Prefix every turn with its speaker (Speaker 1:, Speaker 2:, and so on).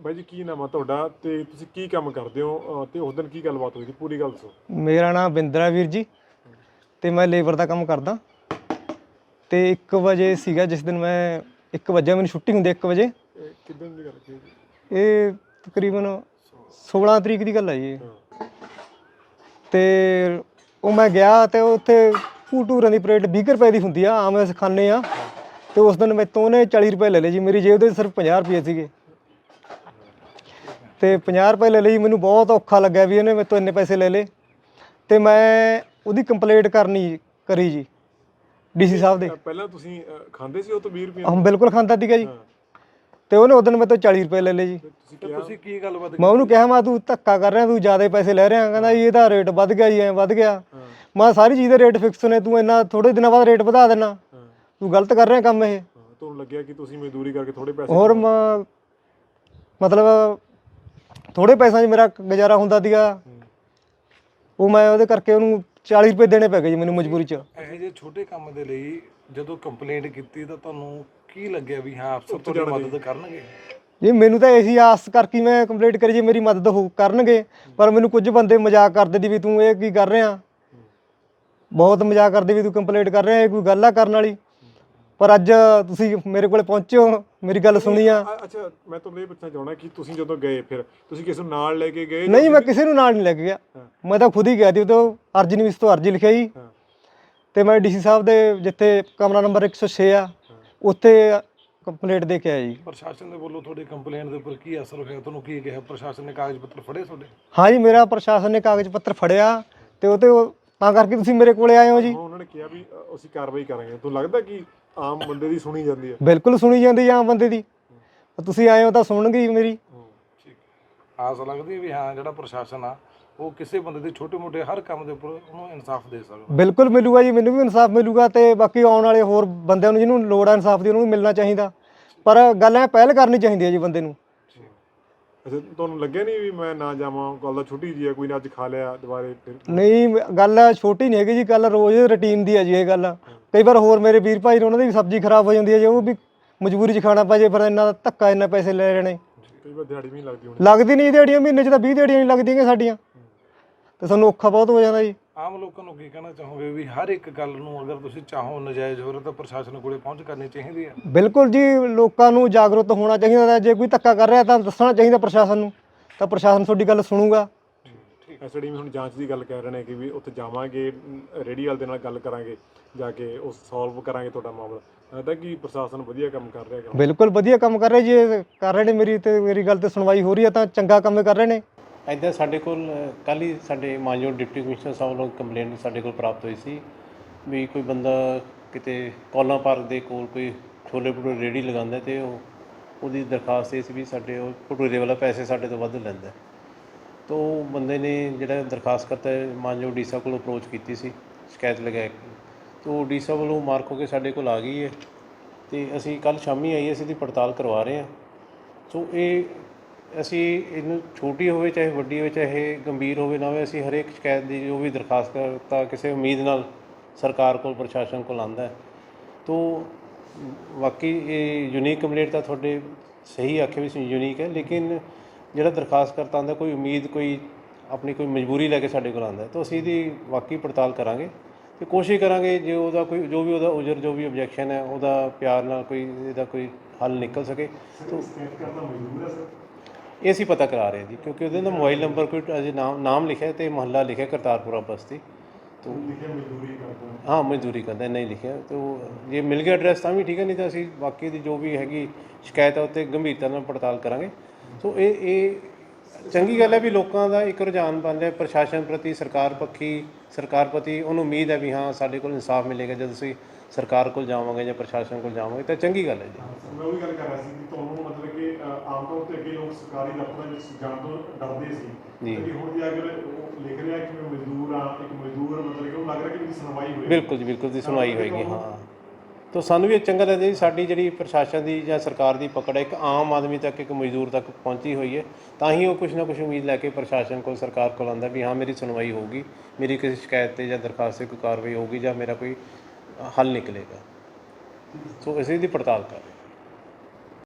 Speaker 1: ਬਾਈ ਜੀ ਕੀ ਨਾਮ ਆ ਤੁਹਾਡਾ ਤੇ ਤੁਸੀਂ ਕੀ ਕੰਮ ਕਰਦੇ ਹੋ ਤੇ ਉਸ ਦਿਨ ਕੀ ਗੱਲਬਾਤ ਹੋਈ ਸੀ ਪੂਰੀ ਗੱਲ ਦੱਸੋ।
Speaker 2: ਮੇਰਾ ਨਾਮ ਬਿੰਦਰਾ ਵੀਰ ਜੀ ਤੇ ਮੈਂ ਲੇਬਰ ਦਾ ਕੰਮ ਕਰਦਾ ਤੇ 1 ਵਜੇ ਸੀਗਾ ਜਿਸ ਦਿਨ ਮੈਂ 1 ਵਜੇ ਮੈਨੂੰ ਛੁੱਟੀ ਹੁੰਦੀ 1 ਵਜੇ।
Speaker 1: ਕਿੱਦਣ ਦੀ ਗੱਲ ਕੀ
Speaker 2: ਇਹ ਤਕਰੀਬਨ 16 ਤਰੀਕ ਦੀ ਗੱਲ ਹੈ ਜੀ। ਤੇ ਉਹ ਮੈਂ ਗਿਆ ਤੇ ਉੱਥੇ ਭੂਟੂਰਾਂ ਦੀ ਪਲੇਟ 20 ਰੁਪਏ ਦੀ ਹੁੰਦੀ ਆ, ਆਮ ਅਸੀਂ ਖਾਂਦੇ ਆ। ਤੇ ਉਸ ਦਿਨ ਮੈਥੋਂ ਉਹਨੇ 40 ਰੁਪਏ ਲੈ ਲਏ ਜੀ, ਮੇਰੀ ਜੇਬ ਦੇ ਸਿਰਫ 50 ਰੁਪਏ ਸੀਗੇ ਤੇ 50 ਰੁਪਏ ਲੈ ਲਈ। ਮੈਨੂੰ ਬਹੁਤ ਔਖਾ ਲੱਗਿਆ ਵੀ ਇਹਨੇ ਮੈਥੋਂ ਇੰਨੇ ਪੈਸੇ ਲੈ ਲਏ ਤੇ ਮੈਂ ਉਹਦੀ ਕੰਪਲੇਂਟ ਕਰੀ ਜੀ ਡੀਸੀ ਸਾਹਿਬ ਦੇ।
Speaker 1: ਪਹਿਲਾਂ ਤੁਸੀਂ ਖਾਂਦੇ ਸੀ ਉਹ ਤੋਂ 20 ਰੁਪਏ?
Speaker 2: ਹਾਂ ਬਿਲਕੁਲ ਖਾਂਦਾ ਸੀਗਾ ਜੀ। ਤੇ ਉਹਨੇ ਉਦੋਂ ਮੈਥੋਂ 40 ਰੁਪਏ ਲੈ ਲਏ ਜੀ।
Speaker 1: ਤੁਸੀਂ ਕੀ ਗੱਲਬਾਤ?
Speaker 2: ਮੈਂ ਉਹਨੂੰ ਕਿਹਾ, ਮੈਂ ਤੂੰ ਧੱਕਾ ਕਰ ਰਿਹਾ, ਤੂੰ ਜ਼ਿਆਦਾ ਪੈਸੇ ਲੈ ਰਿਹਾ। ਕਹਿੰਦਾ ਜੀ ਇਹਦਾ ਰੇਟ ਵੱਧ ਗਿਆ ਜੀ, ਐਂ ਵੱਧ ਗਿਆ। ਮੈਂ ਸਾਰੀ ਚੀਜ਼ ਦੇ ਰੇਟ ਫਿਕਸ ਨੇ, ਤੂੰ ਇੰਨਾ ਥੋੜੇ ਦਿਨਾਂ ਬਾਅਦ ਰੇਟ ਵਧਾ ਦੇਣਾ, ਤੂੰ ਗਲਤ ਕਰ ਰਿਹਾ ਕੰਮ ਇਹ।
Speaker 1: ਤੁਹਾਨੂੰ ਲੱਗਿਆ ਕਿ ਤੁਸੀਂ ਮਜ਼ਦੂਰੀ ਕਰਕੇ ਥੋੜੇ ਪੈਸੇ
Speaker 2: ਹੋਰ ਮਤਲਬ ਥੋੜੇ ਪੈਸਿਆਂ 'ਚ ਮੇਰਾ ਗੁਜ਼ਾਰਾ ਹੁੰਦਾ ਸੀਗਾ, ਉਹ ਮੈਂ ਉਹਦੇ ਕਰਕੇ ਉਹਨੂੰ 40 ਰੁਪਏ ਦੇਣੇ ਪੈ ਗਏ ਜੀ ਮੈਨੂੰ ਮਜਬੂਰੀ 'ਚ।
Speaker 3: ਇਹੋ ਜਿਹੇ ਛੋਟੇ ਕੰਮ ਦੇ ਲਈ ਜਦੋਂ ਕੰਪਲੇਂਟ ਕੀਤੀ ਤਾਂ ਤੁਹਾਨੂੰ ਕੀ ਲੱਗਿਆ ਵੀ ਹਾਂ ਅਫਸਰ ਤੁਹਾਡੀ ਮਦਦ ਕਰਨਗੇ?
Speaker 2: ਜੀ ਮੈਨੂੰ ਤਾਂ ਇਹੀ ਆਸ ਕਰਕੇ ਮੈਂ ਕੰਪਲੇਂਟ ਕਰੀ ਜੀ ਮੇਰੀ ਮਦਦ ਕਰਨਗੇ, ਪਰ ਮੈਨੂੰ ਕੁਝ ਬੰਦੇ ਮਜ਼ਾਕ ਕਰਦੇ ਦੀ ਵੀ ਤੂੰ ਇਹ ਕੀ ਕਰ ਰਿਹਾ, ਬਹੁਤ ਮਜ਼ਾਕ ਕਰਦੇ ਵੀ ਤੂੰ ਕੰਪਲੇਂਟ ਕਰ ਰਿਹਾ, ਇਹ ਕੋਈ ਗੱਲ ਆ ਕਰਨ ਵਾਲੀ। ਪਰ ਅੱਜ ਤੁਸੀਂ ਮੇਰੇ ਕੋਲ ਪਹੁੰਚੇ ਹੋ, ਮੇਰੀ ਗੱਲ ਸੁਣੀ ਆ।
Speaker 1: ਅੱਛਾ ਮੈਂ ਤੁਹਾਨੂੰ ਇਹ ਪੁੱਛਣਾ ਚਾਹੁੰਦਾ ਕਿ ਤੁਸੀਂ ਜਦੋਂ ਗਏ ਫਿਰ ਤੁਸੀਂ ਕਿਸੇ ਨੂੰ ਨਾਲ ਲੈ ਕੇ ਗਏ?
Speaker 2: ਨਹੀਂ, ਮੈਂ ਕਿਸੇ ਨੂੰ ਨਾਲ ਨਹੀਂ ਲੈ ਕੇ ਗਿਆ, ਮੈਂ ਤਾਂ ਖੁਦ ਹੀ ਗਿਆ ਸੀ। ਉਹ ਤੋਂ ਅਰਜੀ ਨਿਵਿਸ ਤੋਂ ਅਰਜੀ ਲਿਖਾਈ ਤੇ ਮੈਂ ਡੀਸੀ ਸਾਹਿਬ ਦੇ ਜਿੱਥੇ ਕਮਰਾ ਨੰਬਰ 106 ਆ ਉੱਥੇ ਕੰਪਲੇਂਟ ਦੇ ਕੇ ਆਇਆ ਜੀ।
Speaker 3: ਪ੍ਰਸ਼ਾਸਨ ਦੇ ਵੱਲੋਂ ਤੁਹਾਡੀ ਕੰਪਲੇਂਟ ਦੇ ਉੱਪਰ ਕੀ ਅਸਰ ਹੋਇਆ? ਤੁਹਾਨੂੰ ਕੀ ਕਿਹਾ ਪ੍ਰਸ਼ਾਸਨ ਨੇ? ਕਾਗਜ਼ ਪੱਤਰ ਫੜੇ ਤੁਹਾਡੇ?
Speaker 2: ਹਾਂ ਜੀ, ਮੇਰਾ ਪ੍ਰਸ਼ਾਸਨ ਨੇ ਕਾਗਜ਼ ਪੱਤਰ ਫੜਿਆ ਤੇ ਉਹ ਤੇ ਤਾਂ ਕਰਕੇ ਤੁਸੀਂ ਮੇਰੇ ਕੋਲੇ ਆਏ ਹੋ ਜੀ।
Speaker 1: ਉਹਨਾਂ ਨੇ ਕਿਹਾ ਵੀ ਅਸੀਂ ਕਾਰਵਾਈ ਕਰਾਂਗੇ। ਤੁਹਾਨੂੰ ਲੱਗਦਾ ਕਿ ਆਮ ਬੰਦੇ ਦੀ ਸੁਣੀ ਜਾਂਦੀ ਹੈ?
Speaker 2: ਬਿਲਕੁਲ ਸੁਣੀ ਜਾਂਦੀ ਆਮ ਬੰਦੇ ਦੀ, ਤੁਸੀਂ ਆਏ ਹੋ ਤਾਂ ਸੁਣਨਗੇ ਹੀ ਮੇਰੀ।
Speaker 3: ਠੀਕ, ਆਸ ਲੱਗਦੀ ਵੀ ਹਾਂ ਜਿਹੜਾ ਪ੍ਰਸ਼ਾਸਨ ਆ ਉਹ ਕਿਸੇ ਬੰਦੇ ਦੇ ਛੋਟੇ ਮੋਟੇ ਹਰ ਕੰਮ ਦੇ ਉੱਪਰ ਉਹਨੂੰ ਇਨਸਾਫ ਦੇ ਸਕਦਾ।
Speaker 2: ਬਿਲਕੁਲ ਮਿਲੂਗਾ ਜੀ, ਮੈਨੂੰ ਵੀ ਇਨਸਾਫ ਮਿਲੂਗਾ ਤੇ ਬਾਕੀ ਆਉਣ ਵਾਲੇ ਹੋਰ ਬੰਦਿਆਂ ਨੂੰ ਜਿਹਨੂੰ ਲੋੜ ਆ ਇਨਸਾਫ ਦੀ ਉਹਨੂੰ ਵੀ ਮਿਲਣਾ ਚਾਹੀਦਾ। ਪਰ ਗੱਲ ਐ ਪਹਿਲ ਕਰਨੀ ਚਾਹੀਦੀ ਹੈ ਜੀ ਬੰਦੇ ਨੂੰ।
Speaker 1: ਅੱਛਾ ਤੁਹਾਨੂੰ ਲੱਗਿਆ ਨਹੀਂ ਵੀ ਮੈਂ ਨਾ ਜਾਵਾਂ, ਗੱਲ ਤਾਂ ਛੋਟੀ ਜੀ ਹੈ, ਕੋਈ ਨਾ ਅੱਜ ਖਾ ਲਿਆ ਦੁਬਾਰੇ ਫਿਰ?
Speaker 2: ਨਹੀਂ, ਗੱਲ ਛੋਟੀ ਨਹੀਂ ਹੈਗੀ ਜੀ, ਗੱਲ ਰੋਜ਼ ਰੂਟੀਨ ਦੀ ਹੈ ਜੀ ਇਹ ਗੱਲ। ਕਈ ਵਾਰ ਹੋਰ ਮੇਰੇ ਵੀਰ ਭਾਈ ਨੇ ਉਹਨਾਂ ਦੀ ਵੀ ਸਬਜ਼ੀ ਖਰਾਬ ਹੋ ਜਾਂਦੀ ਹੈ ਜੀ, ਉਹ ਵੀ ਮਜਬੂਰੀ 'ਚ ਖਾਣਾ ਪੈ ਜੇ, ਫਿਰ ਇੰਨਾ ਧੱਕਾ ਇੰਨਾ ਪੈਸੇ ਲੈ ਰਹੇ ਨੇ।
Speaker 1: ਕਈ ਵਾਰ ਦਿਹਾੜੀ ਵੀ ਨਹੀਂ ਲੱਗਦੀ ਹੋਣੀ?
Speaker 2: ਲੱਗਦੀ ਨਹੀਂ ਦਿਹਾੜੀਆਂ, ਮਹੀਨੇ 'ਚ ਤਾਂ 20 ਦਿਹਾੜੀਆਂ ਨਹੀਂ ਲੱਗਦੀਆਂ ਸਾਡੀਆਂ, ਤੇ ਸਾਨੂੰ ਔਖਾ ਬਹੁਤ ਹੋ ਜਾਂਦਾ ਜੀ।
Speaker 3: ਆਮ ਲੋਕਾਂ ਨੂੰ ਕੀ ਕਹਿਣਾ ਚਾਹੋਗੇ ਵੀ ਹਰ ਇੱਕ ਗੱਲ ਨੂੰ ਅਗਰ ਤੁਸੀਂ ਚਾਹੋ ਨਜਾਇਜ਼ ਹੋ ਰਿਹਾ ਤਾਂ ਪ੍ਰਸ਼ਾਸਨ ਕੋਲੇ ਪਹੁੰਚ ਕਰਨੀ ਚਾਹੀਦੀ ਹੈ?
Speaker 2: ਬਿਲਕੁਲ ਜੀ, ਲੋਕਾਂ ਨੂੰ ਜਾਗਰੂਕ ਹੋਣਾ ਚਾਹੀਦਾ। ਜੇ ਕੋਈ ਧੱਕਾ ਕਰ ਰਿਹਾ ਤਾਂ ਦੱਸਣਾ ਚਾਹੀਦਾ ਪ੍ਰਸ਼ਾਸਨ ਨੂੰ, ਤਾਂ ਪ੍ਰਸ਼ਾਸਨ ਤੁਹਾਡੀ ਗੱਲ ਸੁਣੂਗਾ।
Speaker 1: ਐਸਡੀ ਵੀ ਹੁਣ ਜਾਂਚ ਦੀ ਗੱਲ ਕਹਿ ਰਹੇ ਨੇ ਕਿ ਵੀ ਉੱਥੇ ਜਾਵਾਂਗੇ, ਰੇਹੜੀ ਵਾਲੇ ਦੇ ਨਾਲ ਗੱਲ ਕਰਾਂਗੇ, ਜਾ ਕੇ ਉਹ ਸੋਲਵ ਕਰਾਂਗੇ ਤੁਹਾਡਾ ਮਾਮਲਾ। ਲੱਗਦਾ ਕਿ ਪ੍ਰਸ਼ਾਸਨ ਵਧੀਆ ਕੰਮ ਕਰ ਰਿਹਾ?
Speaker 2: ਬਿਲਕੁਲ ਵਧੀਆ ਕੰਮ ਕਰ ਰਹੇ ਜੀ, ਕਰ ਰਹੇ ਨੇ। ਮੇਰੀ ਗੱਲ ਤੇ ਸੁਣਵਾਈ ਹੋ ਰਹੀ ਹੈ ਤਾਂ ਚੰਗਾ ਕੰਮ ਕਰ ਰਹੇ ਨੇ।
Speaker 4: ਇੱਦਾਂ ਸਾਡੇ ਕੋਲ ਕੱਲ੍ਹ ਹੀ ਸਾਡੇ ਮਾਨਯੋਗ ਡਿਪਟੀ ਕਮਿਸ਼ਨਰ ਸਾਹਿਬ ਵੱਲੋਂ ਕੰਪਲੇਂਟ ਸਾਡੇ ਕੋਲ ਪ੍ਰਾਪਤ ਹੋਈ ਸੀ ਵੀ ਕੋਈ ਬੰਦਾ ਕਿਤੇ ਕੌਲਾਂ ਪਾਰਕ ਦੇ ਕੋਲ ਕੋਈ ਛੋਲੇ ਭਟੂਰੇ ਰੇਹੜੀ ਲਗਾਉਂਦਾ ਅਤੇ ਉਹਦੀ ਦਰਖਾਸਤ ਇਹ ਸੀ ਵੀ ਸਾਡੇ ਉਹ ਭਟੂਰੇ ਵਾਲਾ ਪੈਸੇ ਸਾਡੇ ਤੋਂ ਵੱਧ ਲੈਂਦਾ। ਤਾਂ ਉਹ ਬੰਦੇ ਨੇ ਜਿਹੜਾ ਦਰਖਾਸਤ ਕਰਤਾ ਮਾਨਯੋਗ ਡੀ ਸਾਹਿਬ ਕੋਲ ਅਪਰੋਚ ਕੀਤੀ ਸੀ ਸ਼ਿਕਾਇਤ ਲਗਾ ਕੇ, ਤਾਂ ਉਹ ਡੀ ਸਾਹਿਬ ਵੱਲੋਂ ਮਾਰਕ ਹੋ ਕੇ ਸਾਡੇ ਕੋਲ ਆ ਗਈ ਹੈ ਅਤੇ ਅਸੀਂ ਕੱਲ੍ਹ ਸ਼ਾਮੀ ਆਈ, ਅਸੀਂ ਇਹਦੀ ਪੜਤਾਲ ਕਰਵਾ ਰਹੇ ਹਾਂ। ਸੋ ਇਹ ਅਸੀਂ ਇਹਨੂੰ ਛੋਟੀ ਹੋਵੇ ਚਾਹੇ ਵੱਡੀ ਹੋਵੇ, ਚਾਹੇ ਗੰਭੀਰ ਹੋਵੇ ਨਾ ਹੋਵੇ, ਅਸੀਂ ਹਰੇਕ ਸ਼ਿਕਾਇਤ ਦੀ ਜੋ ਵੀ ਦਰਖਾਸਤ ਕਰਤਾ ਕਿਸੇ ਉਮੀਦ ਨਾਲ ਸਰਕਾਰ ਕੋਲ ਪ੍ਰਸ਼ਾਸਨ ਕੋਲ ਆਉਂਦਾ। ਤਾਂ ਬਾਕੀ ਇਹ ਯੂਨੀਕ ਕੰਪਲੇਂਟ ਤਾਂ ਤੁਹਾਡੇ ਸਹੀ ਆਖਿਆ ਵੀ ਯੂਨੀਕ ਹੈ, ਲੇਕਿਨ ਜਿਹੜਾ ਦਰਖਾਸਤ ਕਰਤਾ ਆਉਂਦਾ ਕੋਈ ਉਮੀਦ, ਕੋਈ ਆਪਣੀ ਕੋਈ ਮਜਬੂਰੀ ਲੈ ਕੇ ਸਾਡੇ ਕੋਲ ਆਉਂਦਾ, ਤਾਂ ਅਸੀਂ ਇਹਦੀ ਵਾਕਈ ਪੜਤਾਲ ਕਰਾਂਗੇ ਅਤੇ ਕੋਸ਼ਿਸ਼ ਕਰਾਂਗੇ ਜੇ ਉਹਦਾ ਕੋਈ ਜੋ ਵੀ ਉਹਦਾ ਉਜਰ ਜੋ ਵੀ ਓਬਜੈਕਸ਼ਨ ਹੈ ਉਹਦਾ ਪਿਆਰ ਨਾਲ ਕੋਈ ਇਹਦਾ ਕੋਈ ਹੱਲ ਨਿਕਲ ਸਕੇ। ਇਹ ਅਸੀਂ ਪਤਾ ਕਰਾ ਰਹੇ ਜੀ, ਕਿਉਂਕਿ ਉਹਦੇ ਨਾਲ ਮੋਬਾਈਲ ਨੰਬਰ ਕੋਈ ਅਜੇ ਨਾਮ ਲਿਖਿਆ ਅਤੇ ਮੁਹੱਲਾ ਲਿਖਿਆ ਕਰਤਾਰਪੁਰਾ ਬਸਤੀ। ਤੋ ਹਾਂ ਮਜ਼ਦੂਰੀ ਕਰਦਾ, ਨਹੀਂ ਲਿਖਿਆ ਤਾਂ ਜੇ ਮਿਲ ਗਿਆ ਐਡਰੈਸ ਤਾਂ ਵੀ ਠੀਕ ਹੈ, ਨਹੀਂ ਤਾਂ ਅਸੀਂ ਬਾਕੀ ਦੀ ਜੋ ਵੀ ਹੈਗੀ ਸ਼ਿਕਾਇਤ ਹੈ ਉੱਤੇ ਗੰਭੀਰਤਾ ਨਾਲ ਪੜਤਾਲ ਕਰਾਂਗੇ। ਸੋ ਇਹ ਚੰਗੀ ਗੱਲ ਹੈ ਵੀ ਲੋਕਾਂ ਦਾ ਇੱਕ ਰੁਝਾਨ ਬਣ ਰਿਹਾ ਪ੍ਰਸ਼ਾਸਨ ਪ੍ਰਤੀ, ਸਰਕਾਰ ਪ੍ਰਤੀ ਉਹਨੂੰ ਉਮੀਦ ਹੈ ਵੀ ਹਾਂ ਸਾਡੇ ਕੋਲ ਇਨਸਾਫ ਮਿਲੇਗਾ ਜਦ ਅਸੀਂ ਸਰਕਾਰ ਕੋਲ ਜਾਵਾਂਗੇ ਜਾਂ ਪ੍ਰਸ਼ਾਸਨ ਕੋਲ ਜਾਵਾਂਗੇ, ਤਾਂ ਚੰਗੀ ਗੱਲ ਹੈ ਜੀ।
Speaker 1: ਮੈਂ ਉਹੀ ਗੱਲ ਕਰ ਰਿਹਾ ਸੀ ਕਿ ਤੁਹਾਨੂੰ ਮਤਲਬ ਕਿ ਆਮ ਤੌਰ 'ਤੇ ਅੱਗੇ ਲੋਕ ਸਰਕਾਰੀ ਦਫ਼ਤਰਾਂ ਵਿੱਚ ਜਾਣ ਤੋਂ ਡਰਦੇ ਸੀ, ਕਿ ਹੁਣ ਜੇ ਅਗਰ ਲਿਖ ਰਿਹਾ ਕਿ ਮੈਂ ਮਜ਼ਦੂਰ ਹਾਂ, ਇੱਕ ਮਜ਼ਦੂਰ ਮਤਲਬ ਕਿ ਉਹ ਲੱਗ ਰਿਹਾ ਕਿ ਮੇਰੀ ਸੁਣਵਾਈ ਹੋਏਗੀ। ਬਿਲਕੁਲ ਜੀ, ਬਿਲਕੁਲ ਦੀ ਸੁਣਵਾਈ ਹੋਏਗੀ। ਹਾਂ,
Speaker 4: ਤਾਂ ਸਾਨੂੰ ਵੀ ਚੰਗਾ ਲੱਗਦਾ ਜੀ ਸਾਡੀ ਜਿਹੜੀ ਪ੍ਰਸ਼ਾਸਨ ਦੀ ਜਾਂ ਸਰਕਾਰ ਦੀ ਪਕੜ ਹੈ ਇੱਕ ਆਮ ਆਦਮੀ ਤੱਕ, ਇੱਕ ਮਜ਼ਦੂਰ ਤੱਕ ਪਹੁੰਚੀ ਹੋਈ ਹੈ, ਤਾਂ ਹੀ ਉਹ ਕੁਛ ਨਾ ਕੁਛ ਉਮੀਦ ਲੈ ਕੇ ਪ੍ਰਸ਼ਾਸਨ ਕੋਲ, ਸਰਕਾਰ ਕੋਲ ਆਉਂਦਾ ਵੀ ਹਾਂ ਮੇਰੀ ਸੁਣਵਾਈ ਹੋਊਗੀ, ਮੇਰੀ ਕਿਸੇ ਸ਼ਿਕਾਇਤ 'ਤੇ ਜਾਂ ਦਰਖਾਸਤ 'ਤੇ ਕੋਈ ਕਾਰਵਾਈ ਹੋਊਗੀ ਜਾਂ ਮੇਰਾ ਕੋਈ ਹੱਲ ਨਿਕਲੇਗਾ। ਸੋ ਅਸੀਂ ਇਹਦੀ ਪੜਤਾਲ ਕਰ ਰਹੇ ਹਾਂ।